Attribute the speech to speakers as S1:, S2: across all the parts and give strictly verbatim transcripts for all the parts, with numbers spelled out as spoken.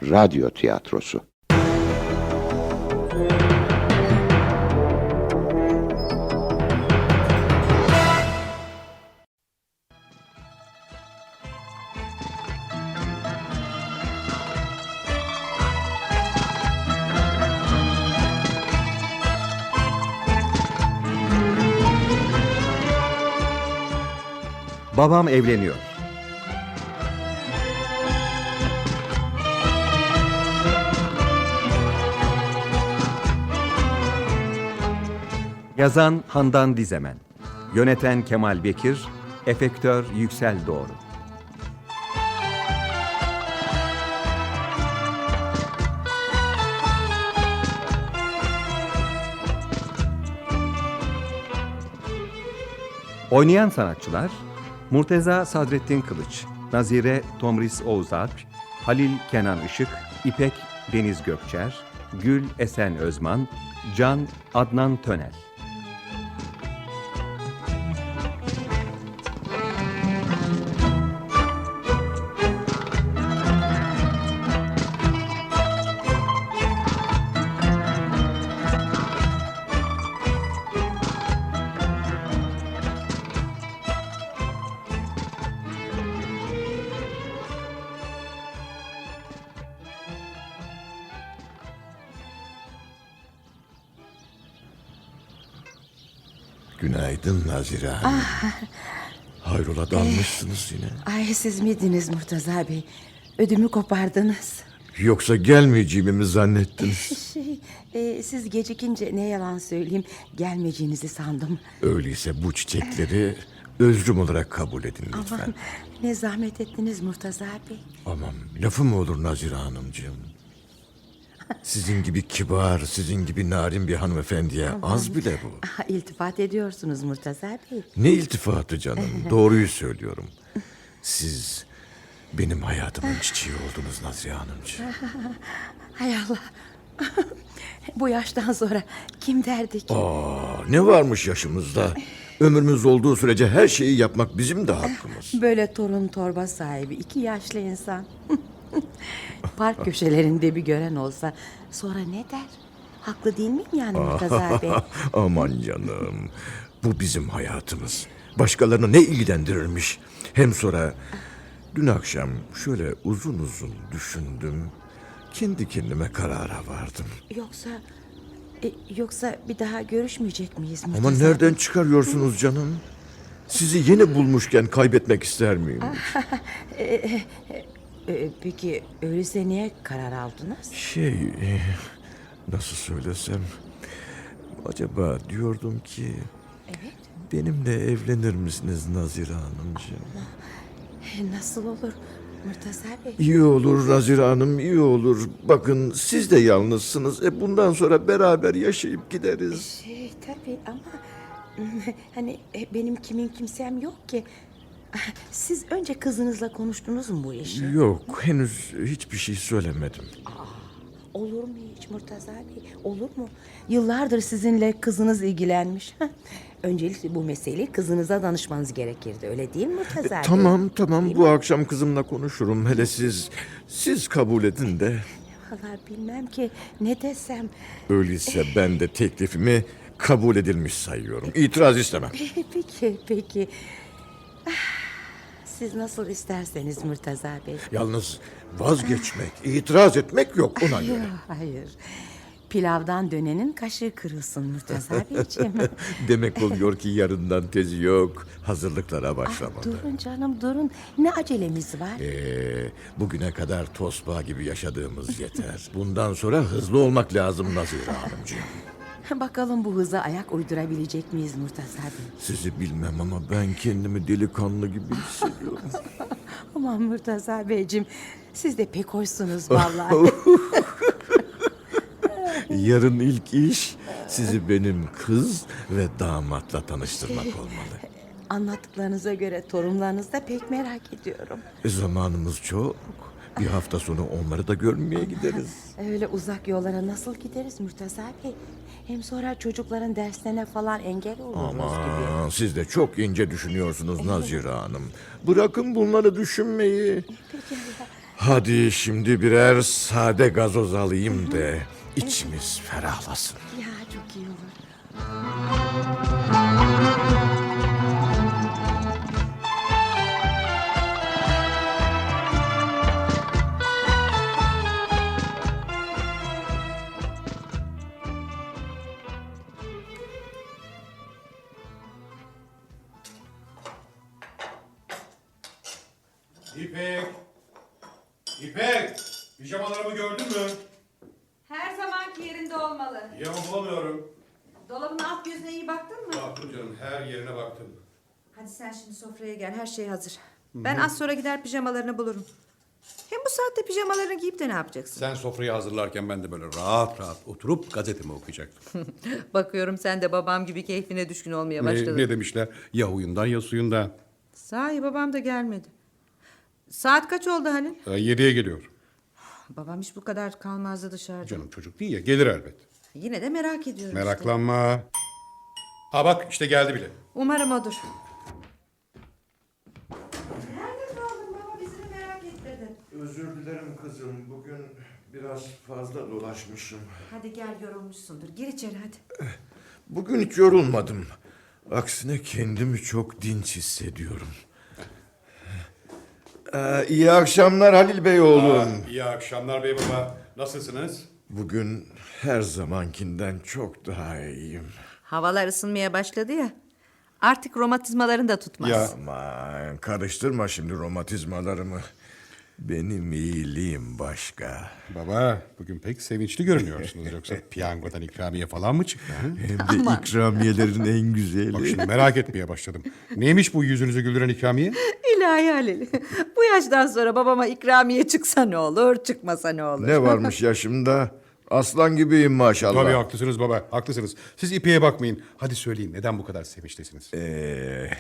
S1: radyo tiyatrosu.
S2: Babam evleniyor. Yazan Handan Dizemen, yöneten Kemal Bekir, efektör Yüksel Doğru. Oynayan sanatçılar: Murteza Sadrettin Kılıç, Nazire Tomris Oğuzalp, Halil Kenan Işık, İpek Deniz Gökçer, Gül Esen Özman, Can Adnan Tönel.
S3: Günaydın Nazire Hanım.
S4: Ah.
S3: Hayrola dalmışsınız yine.
S4: Ay, siz miydiniz Murtaza Bey? Ödümü kopardınız.
S3: Yoksa gelmeyeceğimi mi zannettiniz?
S4: Şey, e, siz gecikince ne yalan söyleyeyim, gelmeyeceğinizi sandım.
S3: Öyleyse bu çiçekleri özrüm olarak kabul edin lütfen.
S4: Aman, ne zahmet ettiniz Murtaza Bey.
S3: Aman, lafı mı olur Nazire Hanımcığım? Sizin gibi kibar, sizin gibi narin bir hanımefendiye az bile bu.
S4: Ah, İltifat ediyorsunuz Murtaza Bey.
S3: Ne iltifatı canım, doğruyu söylüyorum. Siz benim hayatımın çiçeği oldunuz Nazire Hanımcığım.
S4: Hay Allah. Bu yaştan sonra kim derdi ki?
S3: Aa, ne varmış yaşımızda? Ömrümüz olduğu sürece her şeyi yapmak bizim de hakkımız.
S4: Böyle torun torba sahibi iki yaşlı insan. Park köşelerinde bir gören olsa sonra ne der? Haklı değil miyim yani Murtaza Bey?
S3: Aman canım, bu bizim hayatımız. Başkalarını ne ilgilendirirmiş? Hem sonra dün akşam şöyle uzun uzun düşündüm. Kendi kendime karara vardım.
S4: Yoksa e, yoksa bir daha görüşmeyecek miyiz Murtaza
S3: Ama
S4: Bey?
S3: nereden çıkarıyorsunuz canım? Sizi yeni bulmuşken kaybetmek ister miyim?
S4: E, peki öyleyse niye karar aldınız?
S3: Şey, e, nasıl söylesem... Acaba diyordum ki...
S4: Evet.
S3: Benimle evlenir misiniz Nazire Hanımcığım?
S4: E, nasıl olur Murtaza Bey?
S3: İyi olur Nazire Hanım, iyi olur. Bakın siz de yalnızsınız. E bundan sonra beraber yaşayıp gideriz.
S4: Şey tabii ama hani e, benim kimin kimsem yok ki. Siz önce kızınızla konuştunuz mu bu işi?
S3: Yok, henüz hiçbir şey söylemedim.
S4: Olur mu hiç Murtaza Bey? Olur mu? Yıllardır sizinle kızınız ilgilenmiş. Öncelikle bu meseleyi kızınıza danışmanız gerekirdi. Öyle değil mi Murtaza Bey?
S3: Tamam, tamam.
S4: Değil
S3: Bu
S4: mi?
S3: akşam kızımla konuşurum. Hele siz, siz kabul edin de.
S4: Vallahi bilmem ki ne desem.
S3: Öyleyse ben de teklifimi kabul edilmiş sayıyorum. İtiraz istemem.
S4: Peki, peki. Ah, siz nasıl isterseniz Murtaza Bey.
S3: Yalnız vazgeçmek, itiraz etmek yok ona
S4: Hayır,
S3: göre.
S4: hayır. Pilavdan dönenin kaşığı kırılsın Murtaza Beyciğim.
S3: Demek oluyor ki yarından tezi yok. Hazırlıklara başlamalı.
S4: Durun canım durun. Ne acelemiz var?
S3: Ee, bugüne kadar tosbağa gibi yaşadığımız yeter. Bundan sonra hızlı olmak lazım Nazire Hanımcığım.
S4: Bakalım bu hıza ayak uydurabilecek miyiz Murtaza Bey?
S3: Sizi bilmem ama ben kendimi delikanlı gibi hissediyorum.
S4: Aman Murtaza Beyciğim, siz de pek hoşsunuz vallahi.
S3: Yarın ilk iş sizi benim kız ve damatla tanıştırmak olmalı.
S4: Anlattıklarınıza göre torunlarınızı da pek merak ediyorum.
S3: E, zamanımız çok. Bir hafta sonra onları da görmeye gideriz.
S4: Öyle uzak yollara nasıl gideriz Murtaza Bey? Hem sonra çocukların derslerine falan engel oluruz gibi.
S3: Aman siz de çok ince düşünüyorsunuz Nazire Hanım. Bırakın bunları düşünmeyi.
S4: Peki Allah.
S3: Hadi şimdi birer sade gazoz alayım da içimiz ferahlasın.
S4: Ya çok iyi olur.
S1: İpek! İpek! Pijamalarımı gördün mü?
S5: Her zamanki yerinde olmalı.
S1: Pijama bulamıyorum.
S5: Dolabın alt gözüne iyi baktın mı?
S1: Baktım canım, her yerine baktım.
S5: Hadi sen şimdi sofraya gel, her şey hazır. Ben az sonra gider pijamalarını bulurum. Hem bu saatte pijamalarını giyip de ne yapacaksın?
S1: Sen sofrayı hazırlarken ben de böyle rahat rahat oturup gazetemi okuyacaktım.
S5: Bakıyorum sen de babam gibi keyfine düşkün olmaya
S1: ne,
S5: başladın.
S1: ne demişler? Ya huyundan ya suyundan.
S5: Sahi babam da gelmedi. Saat kaç oldu Halil?
S1: Ee, yediye geliyor.
S5: Babam hiç bu kadar kalmazdı dışarıda.
S1: Canım çocuk değil ya, gelir elbet.
S5: Yine de merak ediyorum işte.
S1: Meraklanma. Ha bak işte geldi bile.
S5: Umarım odur. Nerede kaldın baba? Bizi merak ettirdin.
S3: Özür dilerim kızım. Bugün biraz fazla dolaşmışım.
S5: Hadi gel, yorulmuşsundur. Gir içeri hadi.
S3: Bugün hiç yorulmadım. Aksine kendimi çok dinç hissediyorum. Ee, iyi akşamlar Halil Bey oğlum.
S1: İyi akşamlar bey baba. Nasılsınız?
S3: Bugün her zamankinden çok daha iyiyim.
S5: Havalar ısınmaya başladı ya. Artık romatizmaların da tutmaz.
S1: Ya.
S3: Aman karıştırma şimdi romatizmalarımı. Benim iyiliğim başka.
S1: Baba bugün pek sevinçli görünüyorsunuz. Yoksa piyangodan ikramiye falan mı çıktı? Ha?
S3: Hem de ikramiyelerin en güzeli.
S1: Bak şimdi merak etmeye başladım. Neymiş bu yüzünüzü güldüren ikramiye?
S5: İlahi Halil. Bu yaştan sonra babama ikramiye çıksa ne olur, çıkmasa ne olur?
S3: Ne varmış yaşımda? Aslan gibiyim maşallah.
S1: Tabii haklısınız baba, haklısınız. Siz İpek'e bakmayın. Hadi söyleyin, neden bu kadar sevinçlisiniz?
S3: Ee,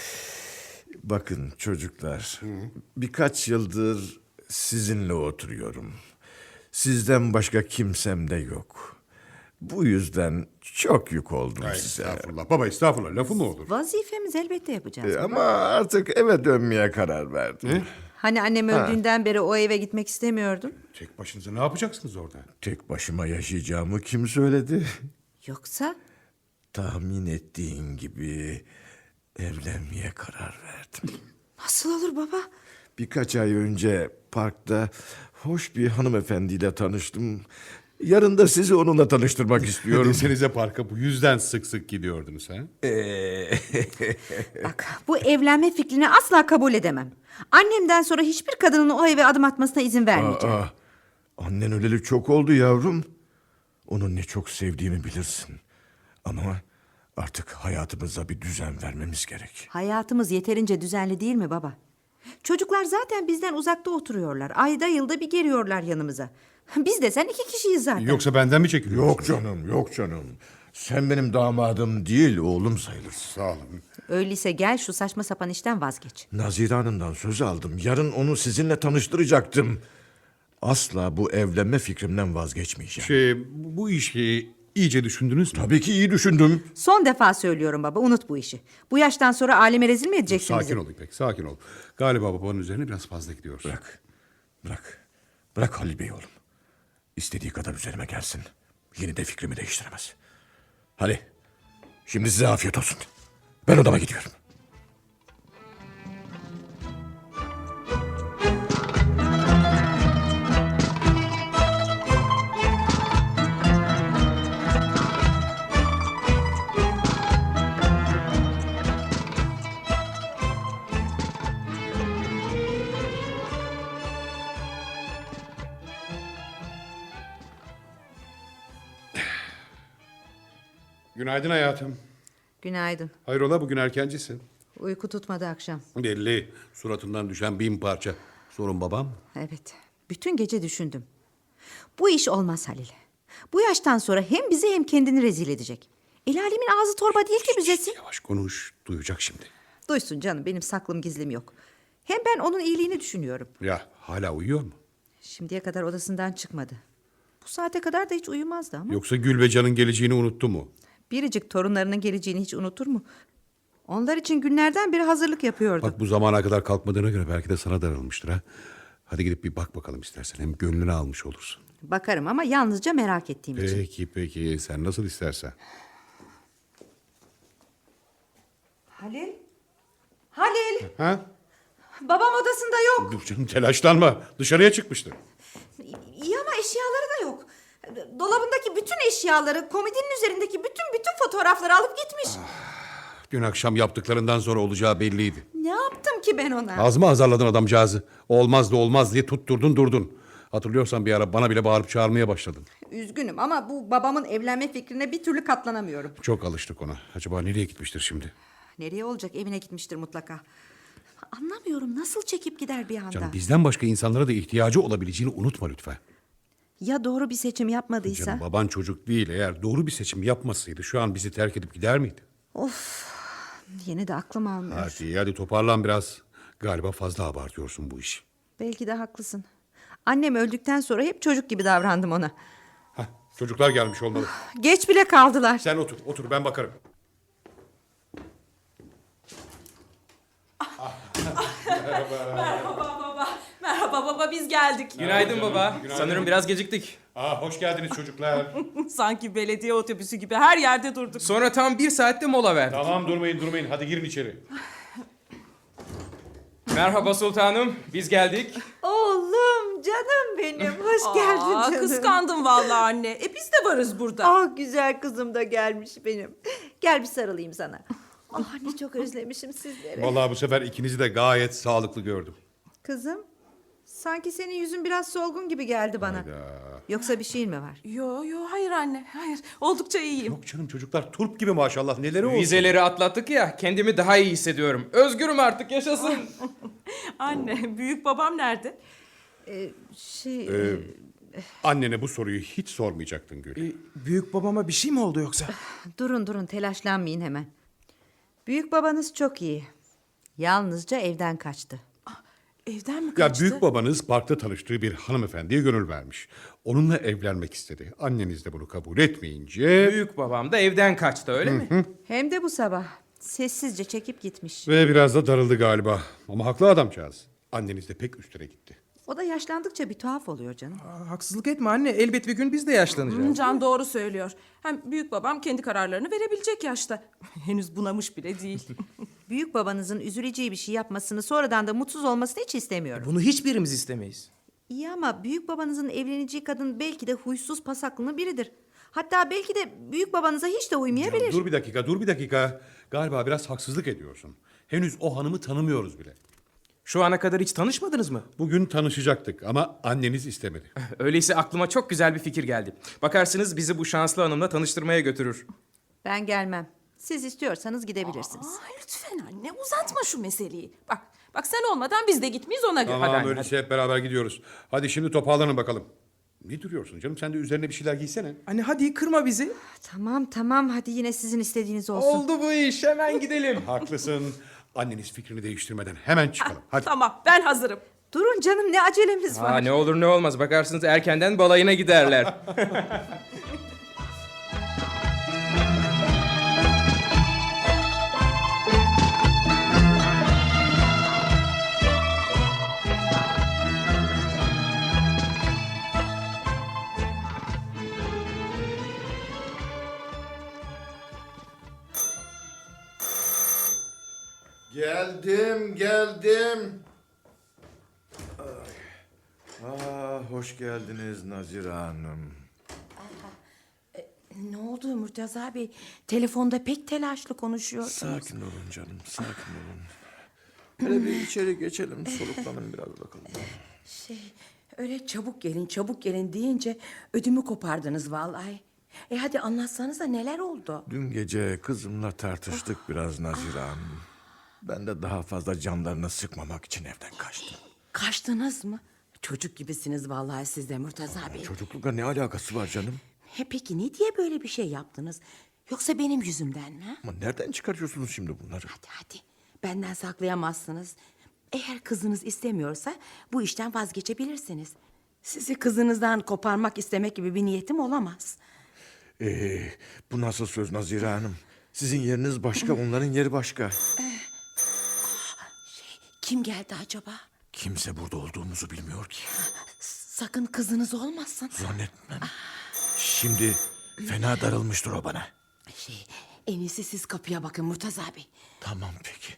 S3: bakın çocuklar, birkaç yıldır sizinle oturuyorum. Sizden başka kimsem de yok. Bu yüzden çok yük oldum
S1: Ay,
S3: size.
S1: estağfurullah. Baba estağfurullah, lafı mı olur?
S5: Vazifemiz elbette yapacağız.
S3: Ee, Ama artık eve dönmeye karar verdim.
S5: Hani annem öldüğünden beri o eve gitmek istemiyordun.
S1: Tek başınıza ne yapacaksınız orada?
S3: Tek başıma yaşayacağımı kim söyledi?
S5: Yoksa
S3: Tahmin ettiğin gibi evlenmeye karar verdim.
S5: nasıl olur baba?
S3: Birkaç ay önce parkta hoş bir hanımefendiyle tanıştım. Yarın da sizi onunla tanıştırmak istiyorum.
S1: Desenize parka bu yüzden sık sık gidiyordunuz ha?
S3: Ee,
S5: Bak, bu evlenme fikrini asla kabul edemem. Annemden sonra hiçbir kadının o eve adım atmasına izin vermeyeceğim.
S3: aa, annen öleli çok oldu yavrum. Onu ne çok sevdiğimi bilirsin. Ama artık hayatımıza bir düzen vermemiz gerek.
S5: Hayatımız yeterince düzenli değil mi baba? Çocuklar zaten bizden uzakta oturuyorlar. Ayda yılda bir geliyorlar yanımıza. Biz de sen iki kişiyiz zaten.
S1: Yoksa benden mi çekiliyorsunuz?
S3: Yok canım, yok canım. Sen benim damadım değil, oğlum sayılırsın.
S1: Sağ olun.
S5: Öyleyse gel şu saçma sapan işten vazgeç.
S3: Nazire Hanım'dan söz aldım. Yarın onu sizinle tanıştıracaktım. Asla bu evlenme fikrimden vazgeçmeyeceğim.
S1: Şey, bu işi iyice düşündünüz mü?
S3: Tabii ki iyi düşündüm.
S5: Son defa söylüyorum baba, unut bu işi. Bu yaştan sonra aleme rezil mi edeceksin bizi?
S1: Sakin ol İpek, sakin ol. Galiba babanın üzerine biraz fazla gidiyoruz.
S3: Bırak, bırak. Bırak Halil Bey oğlum. İstediği kadar üzerime gelsin. Yine de fikrimi değiştiremez. Hadi, şimdi size afiyet olsun. Ben odama gidiyorum.
S1: Günaydın hayatım.
S5: Günaydın.
S1: Hayrola bugün erkencisin.
S5: Uyku tutmadı akşam.
S1: Belli. Suratından düşen bin parça. Sorun babam mı?
S5: Evet. Bütün gece düşündüm. Bu iş olmaz Halil. Bu yaştan sonra hem bizi hem kendini rezil edecek. El alemin ağzı torba değil ki büzesin.
S1: Yavaş konuş. Duyacak şimdi.
S5: Duysun canım, benim saklım gizlim yok. Hem ben onun iyiliğini düşünüyorum.
S1: Ya hala uyuyor mu?
S5: Şimdiye kadar odasından çıkmadı. Bu saate kadar da hiç uyumazdı ama.
S1: Yoksa Gül ve Can'ın geleceğini unuttu mu?
S5: Biricik torunlarının geleceğini hiç unutur mu? Onlar için günlerden beri hazırlık yapıyordu.
S1: Bak bu zamana kadar kalkmadığına göre belki de sana darılmıştır ha. Hadi gidip bir bak bakalım istersen. Hem gönlünü almış olursun.
S5: Bakarım ama yalnızca merak ettiğim için.
S1: Peki peki sen nasıl istersen.
S5: Halil? Halil!
S1: Ha?
S5: Babam odasında yok.
S1: Dur canım telaşlanma. Dışarıya çıkmıştır.
S5: İyi ama eşyaları da yok. Dolabındaki bütün eşyaları, komodinin üzerindeki bütün bütün fotoğrafları alıp gitmiş.
S1: Dün akşam yaptıklarından sonra olacağı belliydi.
S5: Ne yaptım ki ben ona?
S1: Az mı azarladın adamcağızı? Olmaz da olmaz diye tutturdun durdun. Hatırlıyorsan bir ara bana bile bağırıp çağırmaya başladın.
S5: Üzgünüm ama bu babamın evlenme fikrine bir türlü katlanamıyorum.
S1: Çok alıştık ona. Acaba nereye gitmiştir şimdi?
S5: Nereye olacak? Evine gitmiştir mutlaka. Anlamıyorum, nasıl çekip gider bir anda?
S1: Canım bizden başka insanlara da ihtiyacı olabileceğini unutma lütfen.
S5: Ya doğru bir seçim yapmadıysa?
S1: Canım baban çocuk değil. Eğer doğru bir seçim yapmasaydı şu an bizi terk edip gider miydi?
S5: Yine de aklım almıyor.
S1: Hadi hadi toparlan biraz. Galiba fazla abartıyorsun bu işi.
S5: Belki de haklısın. Annem öldükten sonra hep çocuk gibi davrandım ona.
S1: Hah, çocuklar gelmiş olmalı.
S5: Geç bile kaldılar.
S1: Sen otur, otur ben bakarım.
S6: Merhaba baba. Merhaba baba, biz geldik.
S7: Günaydın baba.
S1: Günaydın.
S7: Sanırım biraz geciktik.
S1: Aa, hoş geldiniz çocuklar.
S6: Sanki belediye otobüsü gibi her yerde durduk.
S7: Sonra tam bir saatte mola verdik.
S1: Tamam durmayın durmayın. Hadi girin içeri.
S7: Merhaba sultanım. Biz geldik.
S5: Oğlum, canım benim. Hoş geldin
S6: Aa,
S5: canım.
S6: kıskandım vallahi anne. E biz de varız burada.
S5: Ah, güzel kızım da gelmiş benim. Gel bir sarılayım sana. Ah, ne çok özlemişim sizleri.
S1: Vallahi bu sefer ikinizi de gayet sağlıklı gördüm.
S5: Kızım, sanki senin yüzün biraz solgun gibi geldi bana. Yoksa bir şeyin mi var?
S6: Yo yo, hayır anne, hayır. Oldukça iyiyim.
S1: Yok canım çocuklar turp gibi maşallah. Neleri olsun.
S7: Vizeleri atlattık ya. Kendimi daha iyi hissediyorum. Özgürüm artık, yaşasın.
S6: Anne, büyük babam nerede?
S5: Ee, şey...
S1: Ee, annene bu soruyu hiç sormayacaktın Gül.
S7: Ee, büyük babama bir şey mi oldu yoksa?
S5: Durun durun, telaşlanmayın hemen. Büyük babanız çok iyi. Yalnızca evden kaçtı.
S6: Evden mi
S1: Ya
S6: kaçtı?
S1: büyük babanız parkta tanıştığı bir hanımefendiye gönül vermiş. Onunla evlenmek istedi. Anneniz de bunu kabul etmeyince...
S7: Büyük babam da evden kaçtı, öyle mi?
S5: Hem de bu sabah. Sessizce çekip gitmiş.
S1: Ve biraz da darıldı galiba. Ama haklı adamcağız. Anneniz de pek üstüne gitti.
S5: O da yaşlandıkça bir tuhaf oluyor canım.
S7: Aa, haksızlık etme anne. Elbet bir gün biz de yaşlanacağız.
S6: Can doğru söylüyor. Hem büyük babam kendi kararlarını verebilecek yaşta. Henüz bunamış bile değil.
S5: Büyük babanızın üzüleceği bir şey yapmasını, sonradan da mutsuz olmasını hiç istemiyorum.
S7: Bunu hiçbirimiz istemeyiz.
S5: İyi ama büyük babanızın evleneceği kadın belki de huysuz pasaklı biridir. Hatta belki de büyük babanıza hiç de uymayabilir.
S1: Ya dur bir dakika, dur bir dakika. Galiba biraz haksızlık ediyorsun. Henüz o hanımı tanımıyoruz bile.
S7: Şu ana kadar hiç tanışmadınız mı?
S1: Bugün tanışacaktık ama anneniz istemedi.
S7: Öyleyse aklıma çok güzel bir fikir geldi. Bakarsınız bizi bu şanslı hanımla tanıştırmaya götürür.
S5: Ben gelmem. Siz istiyorsanız gidebilirsiniz.
S6: Aa, lütfen anne, uzatma şu meseleyi. Bak, bak sen olmadan biz de gitmeyiz ona göre.
S1: Tamam
S7: Hadi anne,
S1: öyleyse hep beraber gidiyoruz. Hadi şimdi toparlanın bakalım. Ne duruyorsun canım? Sen de üzerine bir şeyler giysene.
S7: Anne hadi kırma bizi.
S5: Tamam tamam, hadi yine sizin istediğiniz olsun.
S7: Oldu bu iş, hemen gidelim.
S1: Haklısın. Anneniz fikrini değiştirmeden hemen çıkalım. Hadi.
S6: Tamam, ben hazırım.
S5: Durun canım, ne acelemiz var.
S7: Aa, ne olur ne olmaz, bakarsınız erkenden balayına giderler.
S3: Geldim, geldim. Aa, hoş geldiniz Nazire Hanım.
S4: Ne oldu Murtaza Bey? Telefonda pek telaşlı konuşuyorsunuz.
S3: Sakin olun canım, sakin olun. Hele bir içeri geçelim, soluklanın biraz bakalım.
S4: Şey, öyle çabuk gelin, çabuk gelin deyince ödümü kopardınız vallahi. E hadi anlatsanıza neler oldu?
S3: Dün gece kızımla tartıştık biraz Nazire Hanım. Ben de daha fazla canlarını sıkmamak için evden kaçtım.
S4: Kaçtınız mı? Çocuk gibisiniz vallahi siz de Murtaza Bey.
S3: Çocuklukla ne alakası var canım?
S4: He peki ne diye böyle bir şey yaptınız? Yoksa benim yüzümden mi?
S3: Ama nereden çıkarıyorsunuz şimdi bunları?
S4: Hadi hadi, benden saklayamazsınız. Eğer kızınız istemiyorsa bu işten vazgeçebilirsiniz. Sizi kızınızdan koparmak istemek gibi bir niyetim olamaz.
S3: Ee, bu nasıl söz Nazire Hanım? Sizin yeriniz başka, onların yeri başka.
S4: Kim geldi acaba?
S3: Kimse burada olduğumuzu bilmiyor ki.
S4: Sakın kızınız olmasın.
S3: Zannetmem. Şimdi fena darılmıştır o bana.
S4: Şey, en iyisi siz kapıya bakın Murtaza Bey.
S3: Tamam peki.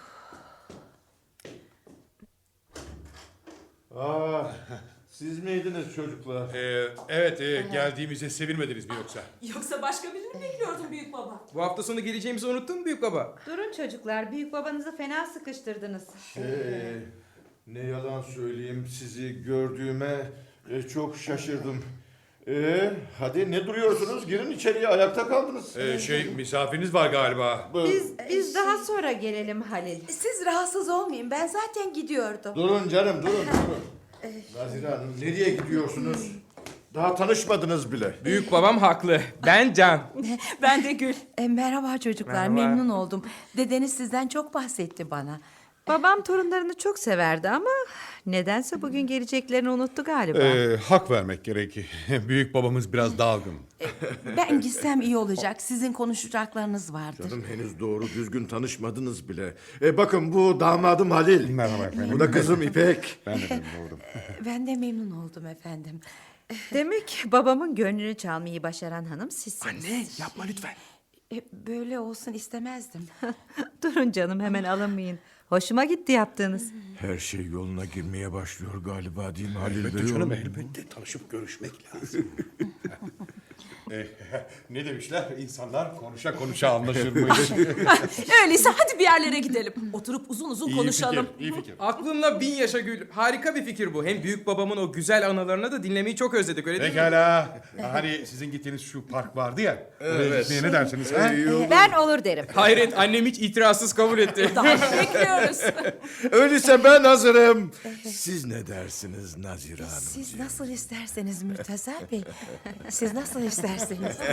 S8: Aa, siz miydiniz çocuklar?
S1: Ee, evet e, geldiğimize sevinmediniz mi yoksa?
S6: Yoksa başka birini mi bekliyordun büyük baba?
S7: Bu hafta sonu geleceğimizi unuttun mu büyük baba?
S5: Durun çocuklar, büyük babanızı fena sıkıştırdınız.
S8: Ee, ne yalan söyleyeyim, sizi gördüğüme e, çok şaşırdım. Ee, hadi ne duruyorsunuz? Girin içeriye, ayakta kaldınız.
S1: Ee, şey misafiriniz var galiba.
S5: Biz biz daha sonra gelelim Halil.
S4: Siz rahatsız olmayın, ben zaten gidiyordum.
S8: Durun canım, durun, durun. Nazire Hanım, nereye gidiyorsunuz? Daha tanışmadınız bile.
S7: Büyük babam haklı. Ben Can.
S6: Ben de Gül.
S4: E, merhaba çocuklar,
S7: Merhaba.
S4: memnun oldum. Dedeniz sizden çok bahsetti bana.
S5: Babam torunlarını çok severdi ama nedense bugün geleceklerini unuttu galiba.
S1: Ee, hak vermek gerekir. Büyük babamız biraz dalgın.
S4: Ben gitsem iyi olacak, sizin konuşacaklarınız vardır.
S3: Canım henüz doğru düzgün tanışmadınız bile. E, bakın bu damadım Halil.
S1: Merhaba efendim.
S3: Bu da kızım İpek.
S1: Ben de memnun oldum.
S4: Ben de memnun oldum efendim.
S5: Demek babamın gönlünü çalmayı başaran hanım sizsiniz.
S3: Anne yapma lütfen.
S4: E, böyle olsun istemezdim.
S5: Durun canım, hemen alınmayın. Hoşuma gitti yaptığınız.
S3: Her şey yoluna girmeye başlıyor galiba değil mi Halil
S1: Elbette
S3: Bey?
S1: canım elbette tanışıp görüşmek lazım. Eh, ne demişler? İnsanlar konuşa konuşa anlaşırmış.
S6: Öyleyse hadi bir yerlere gidelim. Oturup uzun uzun
S1: iyi
S6: konuşalım.
S1: fikir, iyi fikir.
S7: Aklınla bin yaşa Gül. Harika bir fikir bu. Hem büyük babamın o güzel anılarını da dinlemeyi çok özledik öyle değil mi?
S1: Pekala. Hani sizin gittiğiniz şu park vardı ya. Oraya gitmeye ne dersiniz? Ha?
S5: Ben olur derim.
S7: Hayret, annem hiç itirazsız kabul etti.
S6: Daha bekliyoruz.
S3: Öyleyse ben hazırım. Siz ne dersiniz Nazire Hanım?
S4: Siz nasıl isterseniz Murtaza Bey. Siz nasıl isterseniz.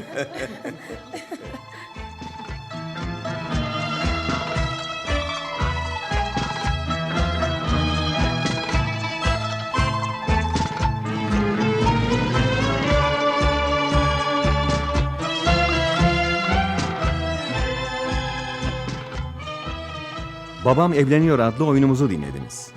S2: Babam Evleniyor adlı oyunumuzu dinlediniz.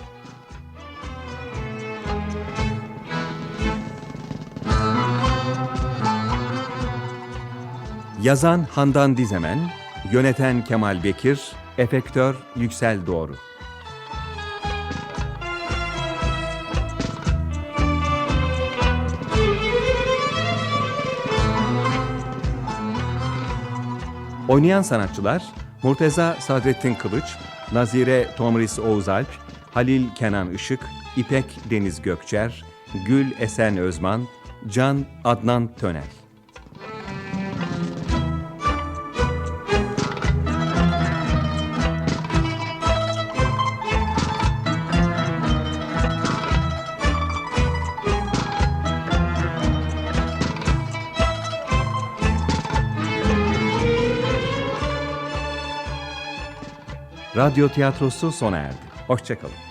S2: Yazan Handan Dizemen, yöneten Kemal Bekir, efektör Yüksel Doğru. Oynayan sanatçılar Murteza Sadrettin Kılıç, Nazire Tomris Oğuzalp, Halil Kenan Işık, İpek Deniz Gökçer, Gül Esen Özman, Can Adnan Tönel. Radyo tiyatrosu sona erdi. Hoşça kalın.